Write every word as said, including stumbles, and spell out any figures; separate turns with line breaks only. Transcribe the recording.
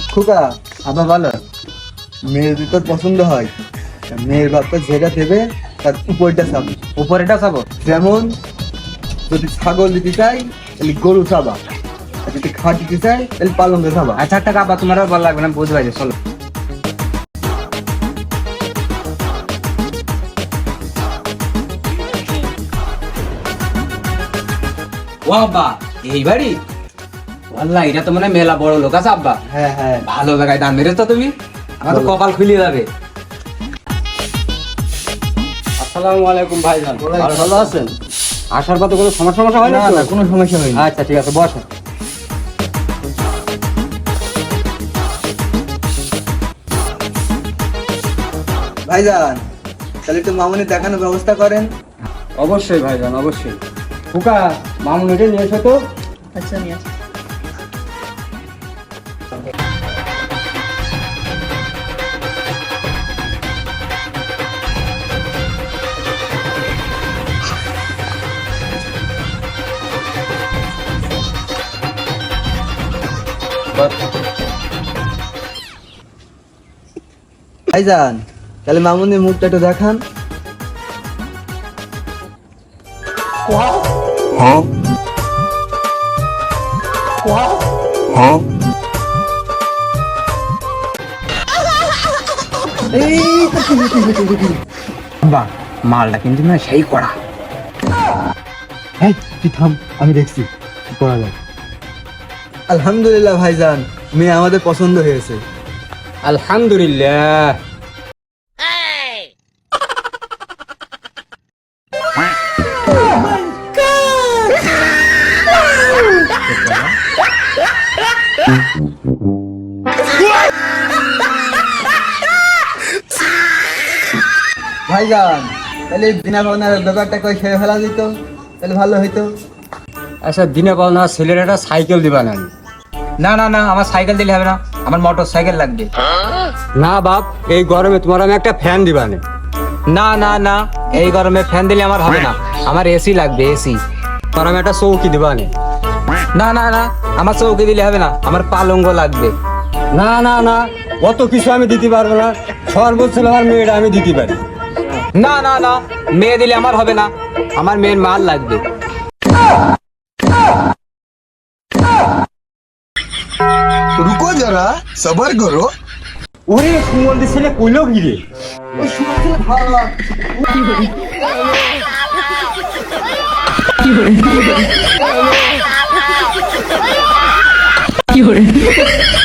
খোকা আবার বলো। মেয়ের যদি তোর পছন্দ হয়, মেয়ের বাপকে যেটা দেবে তার উপরটা চাবো।
উপরেটা চাবো?
যেমন যদি ছাগল দিতে চাই তাহলে গরু চাবা, আর যদি খাট দিতে চাই তাহলে পালঙ্ক চাবা।
আচ্ছা একটা কাবা তোমার আর ভালো লাগবে না, বুঝতে পারছি, চলো। ও আব্বা, এই বাড়ি? আল্লাহ, এটা তো মানে মেলা বড় লোক আছে আব্বা।
হ্যাঁ হ্যাঁ,
ভালো জায়গায় দান মেরেছো তুমি, আমার তো কপাল খুলে যাবে। আসসালামু আলাইকুম ভাইজান, আর ভালো আছেন? আসার পথে কোনো সমস্যা সমস্যা হয় না?
না না, কোনো সমস্যা হয়নি।
আচ্ছা ঠিক আছে, বসো।
ভাইজান তাহলে একটু মামুনি দেখানোর ব্যবস্থা করেন।
অবশ্যই ভাইজান, অবশ্যই। ফুকা, মামুন এটা নিয়ে এসো তো।
আচ্ছা নিয়ে আসো।
ভাইজান তাহলে মামুনির মুখটা একটু দেখান।
বাহ, মালটা কিন্তু না সেই করা।
এই তুই থাম, আমি দেখছি কি করা যায়। আলহামদুলিল্লাহ ভাইজান, মেয়ে আমাদের পছন্দ হয়েছে।
আলহামদুলিল্লাহ।
ভাইজান তাহলে বিনা ভাবনার ব্যাপারটা কই সেরে ফেলা দিত তাহলে ভালো হইতো।
আচ্ছা, দিনে বল না, ছেলের একটা সাইকেল দিবা না? না না না, আমার সাইকেল দিলে হবে না, আমার মোটর সাইকেল লাগবে। না বাপ, এই গরমে তোমার আমি একটা ফ্যান দিবা না। না না না, এই গরমে ফ্যান দিলে আমার হবে না, আমার এসি লাগবে, এসি। তোমার আমি একটা চৌকি দিবা না। না না না, আমার চৌকি দিলে হবে না, আমার পালঙ্গ লাগবে। না না না, অত কিছু আমি দিতে পারবো না, সর্বোচ্চ আমার মেয়েটা আমি দিতে পারি। না না না, মেয়ে দিলে আমার হবে না, আমার মেয়ের মাল লাগবে।
रुको जरा सबर करो।
ওরে সুমন্দি ছেলে কইলো কি রে?
কি করে?